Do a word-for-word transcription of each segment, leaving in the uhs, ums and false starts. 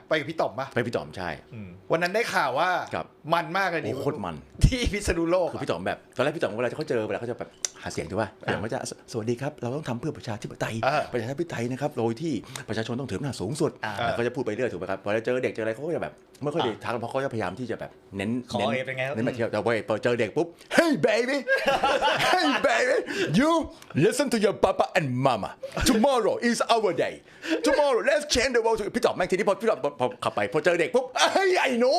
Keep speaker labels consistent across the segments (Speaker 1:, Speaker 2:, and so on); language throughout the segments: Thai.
Speaker 1: ไปกับพี่ต่อมปะ
Speaker 2: ไปพี่ต่อมใช่
Speaker 1: วันนั้นได้ข่าวว่ามันมากเลย
Speaker 2: นี่โคตรมัน
Speaker 1: ที่พิษณุโลก
Speaker 2: คือพี่ต่อมแบบตอนแรกพี่ต่อมเวลาเขาเจอเวลาเขาจะแบบหาเสียงถูกป่ะอย่างว่าจะสวัสดีครับเราต้องทำเพื่อประชาธิปไตยประชาธิปไตยนะครับโดยที่ประชาชนต้องถืออำนาจสูงสุดเขาจะพูดไปเรื่อยถูกไหมครับพอเจอเด็กเจออะไรเขาก็จะแบบไม่ค่อยได้ทักเพราะเขาจะพยายามที่จะแบบเน้นเน้นเน้นมาเที่ยวแต่พอเจอเด็กปุ๊บ Hey baby Hey baby you listen to your papa and mama tomorrow is our day tomorrow let's change the world พี่ต่อมแม่งทีนี้พอพี่ต่อมพอขับไปพอเจอเด็กปุ๊บเฮ้ยไอ้หนู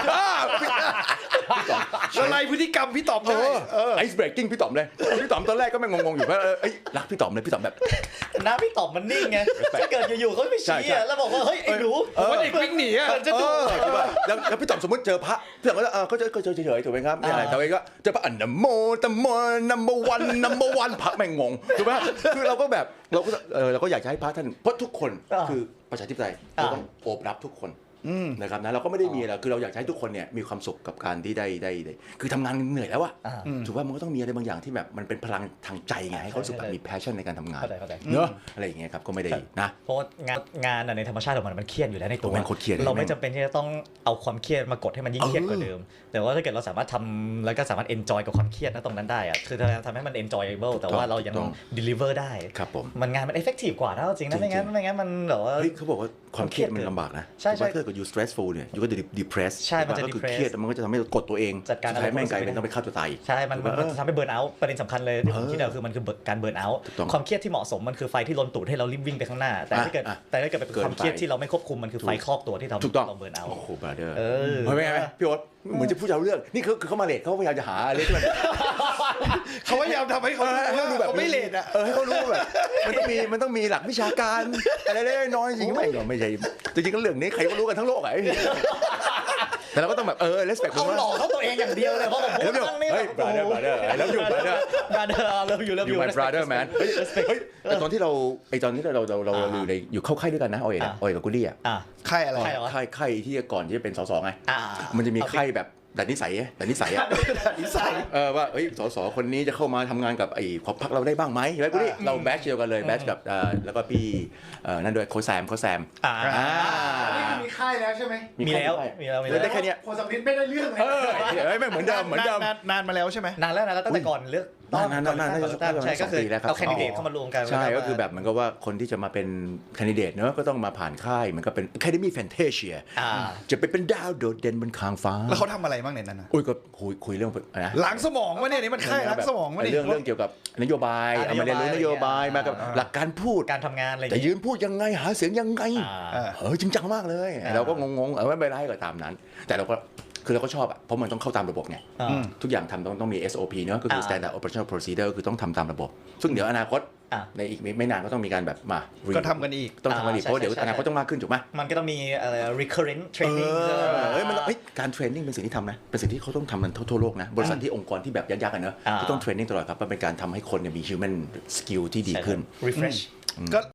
Speaker 1: ละลายพฤติกรรมพี่ต่อมเลย
Speaker 2: ไอซ์เบรกกิ้งพี่ต่อมเลยพี่ต่อมตอนแรกก็แม่งงงๆอยู่ว่าเอ้ยรักพี่ต่อมเลยพี่ต่อมแบบ
Speaker 3: หน้าพี่ต่อมมันนิ่งไงถ้าเกิดอยู่ๆเขาไปชี้แล้วบอกว่าเฮ้ยไอ้หนู
Speaker 1: ผมว่าเด็กวิ่งหนีอ่ะ
Speaker 2: จะดูแล้วพี่ต่อมสมมติเจอพระพี่ต่อมก็จะเขาจะก็เจอเฉยๆถูกไหมครับอะไรแต่ว่าก็เจอพระอันนโมตโมนัมเบอร์วันนัมเบอร์วันพระแม่งงงถูกไหมคือเราก็แบบเราก็เออเราก็อยากจะให้พระท่านเพราะทุกคนคือประชาธิปไตยเราต้องโอบรับทุกคนนะครับนะเราก็ไม่ได้มีอะไรคือเราอยากให้ทุกคนเนี่ยมีความสุขกับการที่ได้ได้คือทำงานเหนื่อยแล้วอะถูกว่ามันก็ต้องมีอะไรบางอย่างที่แบบมันเป็นพลังทางใจไงให้เขารู้สึกแบบมี passion ในการทำงานเนอะอะไรอย่างเงี้ยครับก็ไม่ได้นะ
Speaker 3: เพราะงานงานในธรรมชาติของมันมันเครียดอยู่แล้วในตัว
Speaker 2: เ
Speaker 3: ราไม่จำเป็นที่จะต้องเอาความเครียดมากดให้มันยิ่งเครียดกว่าเดิมแต่ว่าถ้าเกิดเราสามารถทำแล้วก็สามารถ enjoy กับความเครียดนะตรงนั้นได้อะคือทำให้มัน enjoyable แต่ว่าเรายัง deliver ได้
Speaker 2: ครับผม
Speaker 3: มันงานมัน effective กว่าถ้าจริงนะไม่งั้นไม่งั้นมันแบบว่า
Speaker 2: เขาบอกว่าความเครียดมันลำบากนะ
Speaker 3: ใช่ใช่
Speaker 2: ถ้าเกิด you stressful เนี่ย you ก็จะ depress
Speaker 3: ใช่มันจะ
Speaker 2: depress เครียดมันก็จะทำให้กดตัวเอง
Speaker 3: จัดการ
Speaker 2: ใช้แม่งกลายเป็นต้องไปฆ่าตัวตาย
Speaker 3: ใช่มันมันทำให้ burn out ประเด็นสำคัญเลยที่ผมคิดคือมันคือการ burn out ความเครียดที่เหมาะสมมันคือไฟที่ล้นตูดให้เรารีบวิ่งไปข้างหน้าแต่ถ้าเกิดแต่ถ้าเกิดเป็นความเครียดที่เราไม่ควบคุมมันคือไฟครอบตัวที่ทำให้เรา burn out
Speaker 2: โอ้โห brother
Speaker 3: เออ
Speaker 2: เห็นไหมพี่โอ๊ตเหมือนจะพูดเอาเรื่องนี่คือเขามาเลทเขาพยายามจะหาอะไรที่มัน
Speaker 1: เขาพยายามทำให้เขาดูแบบไม่เลทอ่ะ
Speaker 2: เออให้เขารู้แบบมันต้องมีมันต้องมีหลักวิชาการอะไรเล็กน้อยจริงไหมก็ไม่ใช่จริงๆเรื่องนี้ใครก็รู้กันทั้งโลกไอ้แต่เราก็ต้องแบบเออ respect
Speaker 3: เขาหลอกเขาตัวเองอย่างเดียวเลยเพราะผมพูดตั้งนี่
Speaker 2: เฮ้ย brother brother แล้วอยู่ brother
Speaker 3: brother เลิฟอยู่เลิฟอยู่
Speaker 2: my brother man เฮ้ยแต่ตอนที่เราไอตอนที่เราเราเราอยู่ในอยู่เข้าค่ายด้วยกันนะออยนะออยกับกุลี่อ่ะ
Speaker 1: ค่ายอะไร
Speaker 2: ค่ายค่ายที่ก่อนที่จะเป็นสสไงมันจะมีค่ายแบบแต่นิสัยแต่นิสัยอ่ะ
Speaker 1: นิสัย
Speaker 2: เออว่าเอ้ยสสคนนี้จะเข้ามาทำงานกับไอ้ขอบพักเราได้บ้างไหมแล้วกุลี่เราแบชเดียวกันเลยแบชกับแล้วก็พี่นั่นด้วยโคแซมโคแซม
Speaker 1: อ่านี่มีค่ายแล้วใช่ไหม
Speaker 3: มีแล้วมีแล้วมีแล้ว
Speaker 2: ได้แค่นี้
Speaker 1: โคสัมฤทธิ์ไม่ได้เรื่องเลย
Speaker 2: เฮ้ยไม่เหมือนเดิมเหมือนเดิม
Speaker 1: นานมาแล้วใช่ไหม
Speaker 3: นานแล้วนานแล้วตั้งแต่ก่อนเลือก
Speaker 2: นานนานนาน
Speaker 3: ใช่ก็คือเอาแคนดิเดตเข้ามารวมกัน
Speaker 2: ใช่ก็คือแบบเหมือนกับว่าคนที่จะมาเป็นแคนดิเดตเนอะก็ต้องมาผ่านค่ายมันก็เป็น Academy Fantasia จะไปเป็นดาวโดดเด่นบนคางฟ้า
Speaker 1: แล้วเขาทำอะไรบ้างในนั้นนะ
Speaker 2: อุ้ยก็คุยคุยเรื่องนะ
Speaker 1: ล้างสมองวะเนี่ยนี่มันค่ายล้างสมองวะ
Speaker 2: เนี่ยเรื่องเรื่องเกี่ยวกับนโยบายเอามาเรียนรู้นโยบายมากับหลักการพูด
Speaker 3: การทำงานอะไร
Speaker 2: แต่ยืนพูดยังไงหาเสียงยังไงเออจริงจังมากเลยเราก็งงๆเออไม่เป็นไรก็ตามนั้นแต่เราก็คือเราก็ชอบอ่ะเพราะมันต้องเข้าตามระบบไงทุกอย่างทำต้องต้องมี เอส โอ พี เนอะก็คือ Standard Operational Procedure คือต้องทำตามระบบซึ่งเดี๋ยวอนาคตในอีกไม่นานก็ต้องมีการแบบมา
Speaker 1: ก็ทำกันอีก
Speaker 2: ต้องทำกันอีกเพราะเดี๋ยวอนาคตต้องมากขึ้นถูกไหม
Speaker 3: มันก็ต้องมีอะไร recurrent training
Speaker 2: เฮ้ยมันการเทรนนิ่งเป็นสิ่งที่ทำนะเป็นสิ่งที่เขาต้องทำกันทั่วโลกนะบริษัทที่องค์กรที่แบบยักษ์ๆกันเนอะก็ต้องเทรนนิ่งตลอดครับมันเป็นการทำให้คนมี human skill ที่ดีขึ้น
Speaker 3: refresh
Speaker 1: ก็